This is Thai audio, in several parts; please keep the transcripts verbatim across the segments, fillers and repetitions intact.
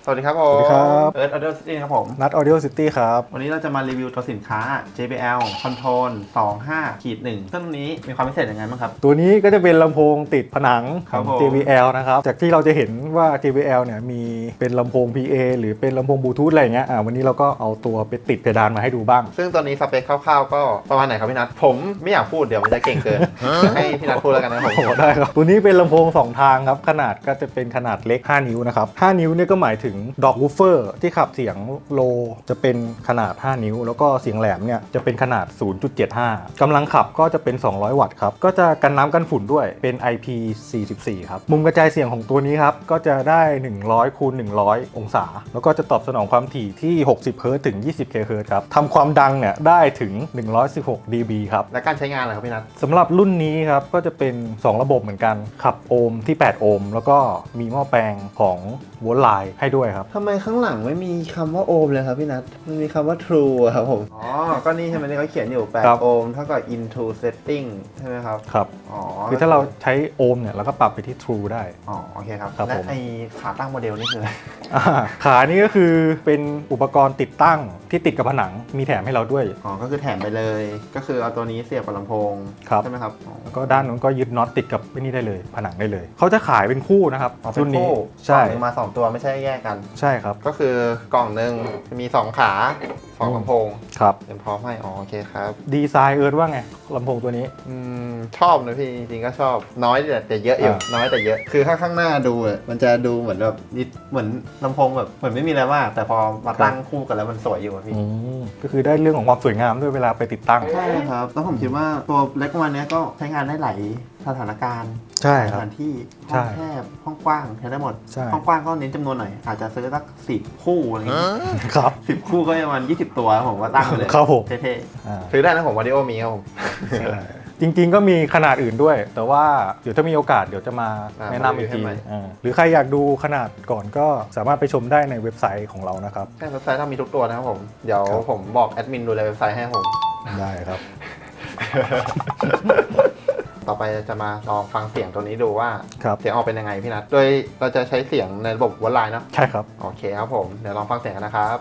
สวัสดีครับผมสวัสดีครับเอิร์ธออเดอร์ซิตี้ครับผมนัด Audio City ครับวันนี้เราจะมารีวิวตัวสินค้า เจ บี แอล Control สองห้าหนึ่ง ซึ่งนี้มีความพิเศษยังไงบ้างครับตัวนี้ก็จะเป็นลำโพงติดผนังขครัอบ งผมเจ บี แอล นะครับจากที่เราจะเห็นว่า เจ บี แอล เนี่ยมีเป็นลำโพง พี เอ หรือเป็นลำโพงบลูทูธอะไรอย่างเงี้ยอ่าวันนี้เราก็เอาตัวไปติดเพดานมาให้ดูบ้างซึ่งตอนนี้สเปคคร่าวๆก็ประมาณไหนครับพี่นัทผมไม่อยากพูดเดี๋ยวมันจะเก่งเกิน ให้พี่นัทพูดแล้วกันนะครับผมโอ้ได้ครับตัวนี้เป็นลำโพงสองทางครับขนาดก็จะเป็นขนาดเล็กห้านิ้วนะครับห้านิ้วเนี่ยก็หมายถึงดอกวูฟเฟอร์ที่ขับเสียงโลจะเป็นขนาดห้านิ้วแล้วก็เสียงแหลมเนี่ยจะเป็นขนาด ศูนย์จุดเจ็ดห้า กำลังขับก็จะเป็นสองร้อยวัตต์ครับก็จะกันน้ำกันฝุ่นด้วยเป็น ไอ พี สี่สิบสี่ ครับมุมกระจายเสียงของตัวนี้ครับก็จะได้หนึ่งร้อยคูณหนึ่งร้อยองศาแล้วก็จะตอบสนองความถี่ที่หกสิบเฮิร์ตซ์ถึงยี่สิบเคเฮิร์ตซ์ครับทำความดังเนี่ยได้ถึงหนึ่งร้อยสิบหก ดี บี ครับและการใช้งานอะไรครับพี่นัทสำหรับรุ่นนี้ครับก็จะเป็นสองระบบเหมือนกันขับโอห์มที่แปดโอห์มแล้วก็มีหม้อแปลงของโวลต์ไลน์ให้ด้วยครับทำไมข้างหลังไม่มีคำว่าโอห์มเลยครับพี่นัทมันมีคำว่า true อะครับผมอ๋อก็นี่ใช่ไหมที่เขาเขียนอยู่แปดครับโอห์มเท่ากับ into setting ใช่ไหมครับครับอ๋อคือถ้าเราใช้โอห์มเนี่ยเราก็ปรับไปที่ True ได้อ๋อโอเคครับครับและผมไอขาตั้งโมเดลนี่คืออะไรอ่าขานี่ก็คือเป็นอุปกรณ์ติดตั้งที่ติดกับผนังมีแถมให้เราด้วยอ๋อ ก็คือแถมไปเลย ก็คือเอาตัวนี้เสียบกับลำโพงครับใช่ไหมครับอ๋อแล้วก็ด้านนู้นก็ยึดน็อตติดกับไอ้นี่ได้เลย ผนังได้เลย เขาจะขายเป็นคู่นะครับอ๋อเป็นรุ่นนี้คู่ใช่กล่องหนึ่งมาสองตัวไม่ใช่แยกกันใช่ครับก็คือกล่องหนึ่งมีสองขาสองลำโพงครับเตรียมพร้อมให้อ๋อโอเคครับดีไซน์เอิร์ธว่าไงลำโพงตัวนี้อืมชอบนะพี่จริงๆก็ชอบน้อยแต่แต่เยอะอยู่อ่าน้อยแต่เยอะคือข้างข้างหน้าดูอะมันจะดูเหมือนแบบนิดเหมือนลำโพงแบบเหมือนไม่มีอะไรมากแต่พอมาตั้งคู่กันแล้วมันสวยอยู่อะพี่อืมก็คือได้เรื่องของความสวยงามด้วยเวลาไปติดตั้งใช่ครับแล้วผมคิดว่าตัวเล็กประมาณเนี้ยก็ใช้งานได้หลายสถานการณ์ใช่สครับถานที่ห้ใช่องแคบห้องกว้างใช้ได้หมดใช่ห้องกว้างก็เน้นจำนวนหน่อยอาจจะซื้อสักสิบคู่อะไรอย่างเงี้ยครับสิบคู่ก็ประมาณยี่สิบตัวผมว่าตั้งไปเลยครับผมเท่อ่าๆซื้อได้นะผมวาดิโอมีครับผมใช่จริงๆก็มีขนาดอื่นด้วย แต่ว่าเดี๋ยวถ้ามีโอกาสเดี๋ยวจะมาอ่าแนะนำอีกทีมารีวิวให้ใหม่อ่าหรือใครอยากดูขนาดก่อนก็สามารถไปชมได้ในเว็บไซต์ของเรานะครับใช่เว็บไซต์ต้องมีทุกตัวนะครับผมเดี๋ยวครับผมบอกแอดมินดูแลเว็บไซต์ให้ผมได้ครับต่อไปจะมาลองฟังเสียงตัวนี้ดูว่าครับเสียงออกเป็นยังไงพี่นัทโดยเราจะใช้เสียงในระบบวอลไลน์เนาะใช่ครับโอเคครับผมเดี๋ยวลองฟังเสียงกันนะครับ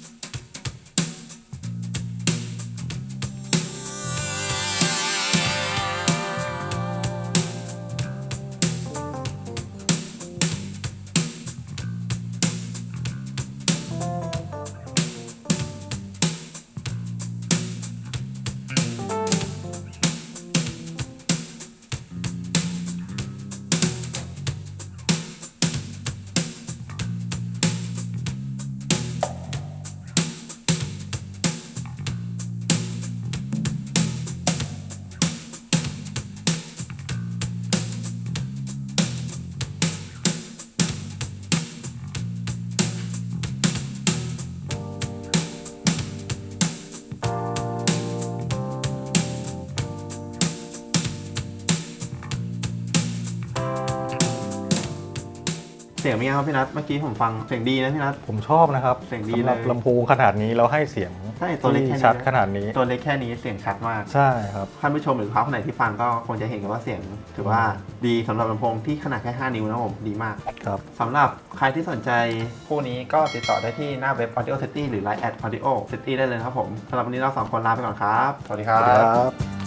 เสียงเป็นไงครับพี่นัทเมื่อกี้ผมฟังเสียงดีนะพี่นัทผมชอบนะครับเสียงดีสำหรับเลยลำโพงขนาดนี้เราให้เสียงใช่ตัวเล็กแค่ที่นี้ชัดนะขนาดนี้ตัวเล็กแค่นี้เสียงชัดมากใช่ครับท่านผู้ชมหรือลูกค้าคนไหนที่ฟังก็คงจะเห็นกันว่าเสียงถือว่าดีสำหรับลำโพงที่ขนาดแค่ห้านิ้วนะครับผมดีมากครับสำหรับใครที่สนใจคู่นี้ก็ติดต่อได้ที่หน้าเว็บ Audio City หรือ ไลน์ แอท Audio City ได้เลยนะครับผมสำหรับวันนี้เราสองคนลาไปก่อนครับ สวัสดีครัสวัสดีบครับ